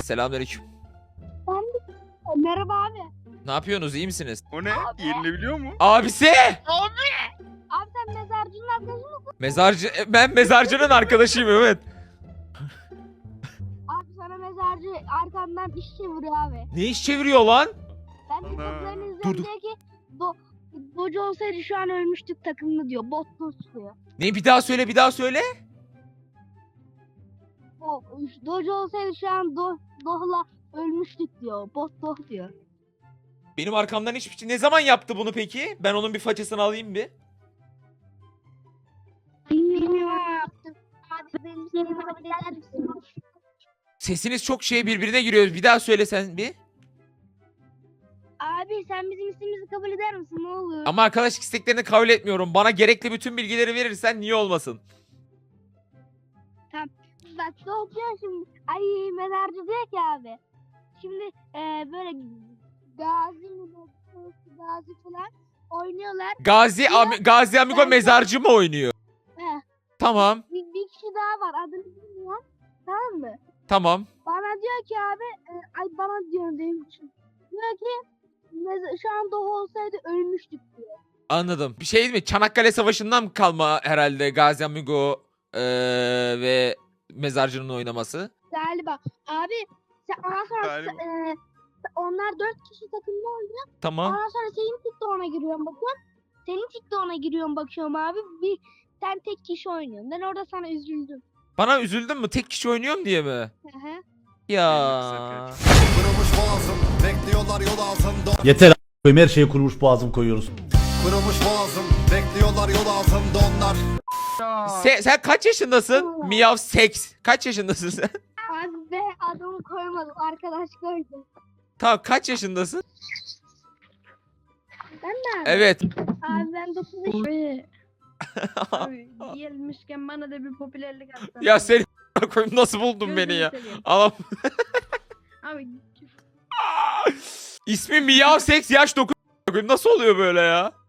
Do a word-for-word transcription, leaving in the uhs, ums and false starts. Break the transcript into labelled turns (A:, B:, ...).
A: Selamünaleyküm.
B: Ben de... Merhaba abi.
A: Ne yapıyorsunuz? İyi misiniz?
C: O ne? Yerini biliyor mu?
A: Abisi!
C: Abi!
B: Abi sen mezarcının arkadaşı mısın?
A: Mezarcı... Ben mezarcının arkadaşıyım, evet.
B: Abi sana mezarcı arkandan iş çeviriyor abi.
A: Ne iş çeviriyor lan?
B: Ben de
C: Ana.
B: toplarını izliyorum
A: Dur, dur.
B: diyor ki do, Dojo olsaydı şu an ölmüştük takımını diyor. Bot dost diyor.
A: Ne, bir daha söyle, bir daha söyle.
B: O, Dojo olsaydı şu an do, Doh'la ölmüştük diyor. Bot Doh diyor.
A: Benim arkamdan hiçbir şey... Ne zaman yaptı bunu peki? Ben onun bir façasını alayım bir.
B: Bilmiyorum ama yaptım. Abi benim seni kabul eder misin?
A: Sesiniz çok şey birbirine giriyor. Bir daha söyle sen bir.
B: Abi sen bizim ismimizi kabul eder misin? Ne olur?
A: Ama arkadaşlık isteklerini kabul etmiyorum. Bana gerekli bütün bilgileri verirsen niye olmasın?
B: Bak Doh diyor şimdi. Ay mezarcı diyor ki abi. Şimdi e, böyle Gazi mi Gazi falan oynuyorlar.
A: Gazi, Ami- Gazi Amigo
B: Ben-
A: mezarcı mı oynuyor?
B: He.
A: Tamam,
B: Bir, bir kişi daha var adını bilmiyorum. Tamam mı?
A: tamam.
B: Bana diyor ki abi e, ay bana diyor benim için. Diyor ki mez- şu an Doh olsaydı ölmüştük diyor.
A: Anladım. Bir şey değil mi? Çanakkale Savaşı'ndan mı kalma herhalde Gazi Amigo eee, ve mezarcının oynaması?
B: Galiba. Abi sen ondan sonra
C: Galiba.
B: e, onlar dört kişi takımda oynuyor.
A: Tamam.
B: Ondan sonra senin TikTok'una giriyorum bakıyorum. Senin TikTok'una giriyorum bakıyorum abi. Bir sen tek kişi oynuyorsun. Ben orada sana üzüldüm.
A: Bana üzüldün mü? Tek kişi oynuyorum diye mi?
B: Hı hı.
A: Ya.
D: Kırılmış boğazım, bekliyorlar yol altında.
E: Yeter a**ayım, her şeye kurumuş boğazım koyuyoruz.
D: Kırılmış boğazım, bekliyorlar yol altında onlar.
A: Se- sen kaç yaşındasın? Miyav Seks. Kaç yaşındasın sen?
B: Abi be adamı koymadım. Arkadaş koydum.
A: Tamam, kaç yaşındasın?
B: Ben de abi.
A: Evet.
B: Abi ben dokuz yaşındayım.
F: Abi gelmişken bana da bir popülerlik atsan.
A: Ya seni koyayım, nasıl buldun beni ya? Anam.
F: Abi
A: İsmi Miyav Seks, yaş dokuz. Nasıl oluyor böyle ya?